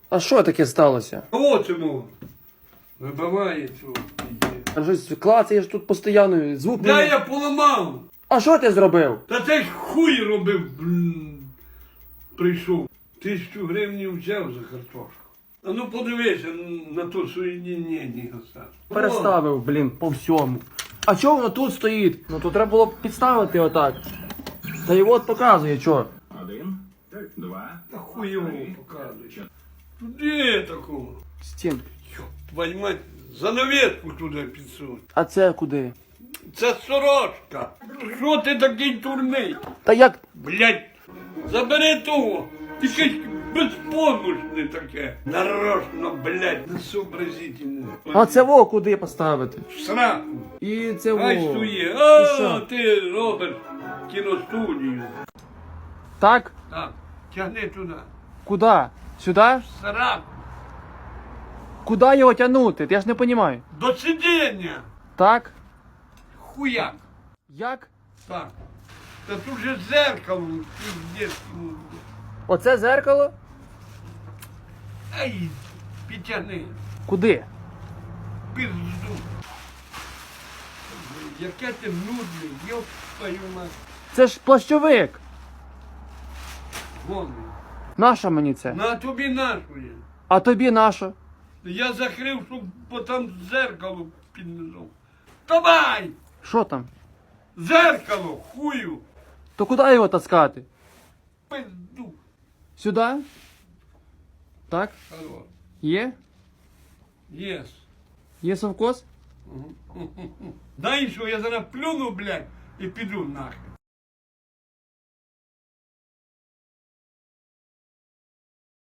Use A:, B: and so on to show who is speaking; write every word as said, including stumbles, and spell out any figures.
A: А що таке сталося?
B: Кого цьому? Вибиває цього.
A: А щось клацаєш тут постійно, звук
B: Да
A: не...
B: я поламав.
A: А що ти зробив?
B: Та це ж хуй робив, блін. Прийшов. Тисячу гривень взяв за картошку. А ну подивися на то соєдінення.
A: Переставив, блін, по всьому. А чого воно тут стоїть? Ну то треба було б підставити отак. Та й от показує, чо.
C: Один, два,
B: Та хуйово показує. Туди такого.
A: Стін.
B: Йоп, твою мать, занавеску туди підсунь.
A: А це куди?
B: Це сорочка. Що ти такий турний?
A: Та як?
B: Блять, забери того. Ти щось безпомощне таке. Нарочно, блять, несообразительне.
A: А це во куди поставити?
B: В сраку.
A: І це во.
B: Ай сує.
A: І
B: А,
A: що?
B: ти робиш кіностудію.
A: Так?
B: Так, тягни туди.
A: Куди? Сюди?
B: В сраку.
A: Куди його тягнути? Я ж не розумію.
B: До сидіння.
A: Так?
B: Хуяк.
A: Як?
B: Так. Та тут же зеркало. Пиздец.
A: Оце зеркало?
B: Ай, підтягни.
A: Куди?
B: Пизду. Яке ти нудний, ёб твою мать.
A: Це ж плащовик.
B: Вон він.
A: Наша мені це.
B: На тобі нашує.
A: А тобі наша?
B: Я закрив, щоб бо там зеркало під низом. Давай!
A: Що там?
B: Зеркало, хую!
A: То куди його таскати?
B: Пизду.
A: Сюди? Так?
B: Алло.
A: Є?
B: Єс.
A: Є совкос?
B: Знаєш що, я зараз плюну, блядь, і піду нахер.